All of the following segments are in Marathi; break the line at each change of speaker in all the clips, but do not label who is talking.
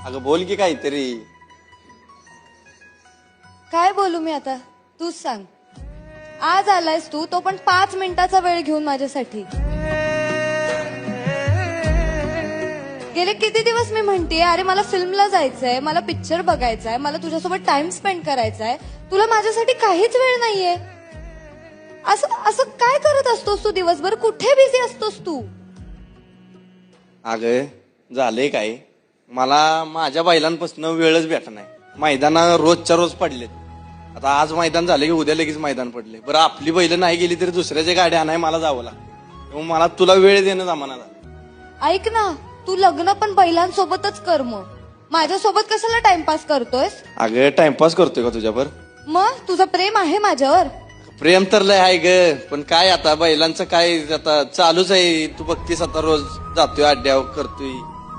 अगं बोल की काहीतरी.
काय बोलू मी आता, तूच सांग. आज आलायस तू, तो पण 5 मिनिटाचा वेळ घेऊन माझ्यासाठी. गेले किती दिवस मी म्हणतेय, अरे मला फिल्मला जायचंय, मला पिक्चर बघायचाय, मला तुझ्यासोबत टाइम स्पेंड करायचाय, तुला माझ्यासाठी काहीच वेळ नाहीये. असं असं काय करत असतोस तू दिवसभर? कुठे बिझी असतोस तू?
अगं झालंय काय, मला माझ्या बैलांपासून वेळच भेटत नाही. मैदाना रोजच्या रोज पडलेत. आता आज मैदान झाले की उद्या लगेच मैदान पडले. बरं आपली बैल नाही गेली तरी दुसऱ्याच्या गाड्या आणाय मला जावं लागतं. मला तुला वेळ देणं जमाना झाला.
ऐक ना, तू लग्न पण बैलांसोबतच कर मग. माझ्यासोबत कशाला टाइमपास करतोयस?
अगं टाइमपास करतोय का तुझ्यावर?
मग तुझं प्रेम आहे माझ्यावर?
प्रेम तर लय आहे ग, पण काय आता बैलांचं काय आता चालूच आहे. तू बघतीस आता रोज जातोय अड्ड्यावर करतोय.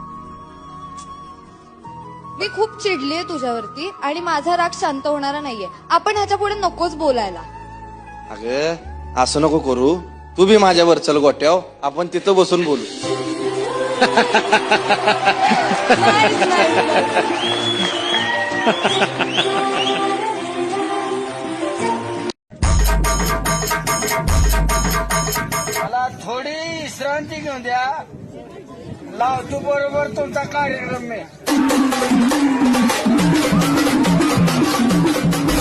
मी खूप चिडलीये तुझ्यावरती आणि माझा राग शांत होणारा नाहीये. आपण ह्याच्या पुढे नकोच बोलायला.
अगं असं नको करू. तू बी माझ्यावर चल गोट्याव, आपण तिथं बसून बोलू.
मला थोडी विश्रांती घेऊन द्या. लावतो बरोबर तुमचा कार्यक्रम मी.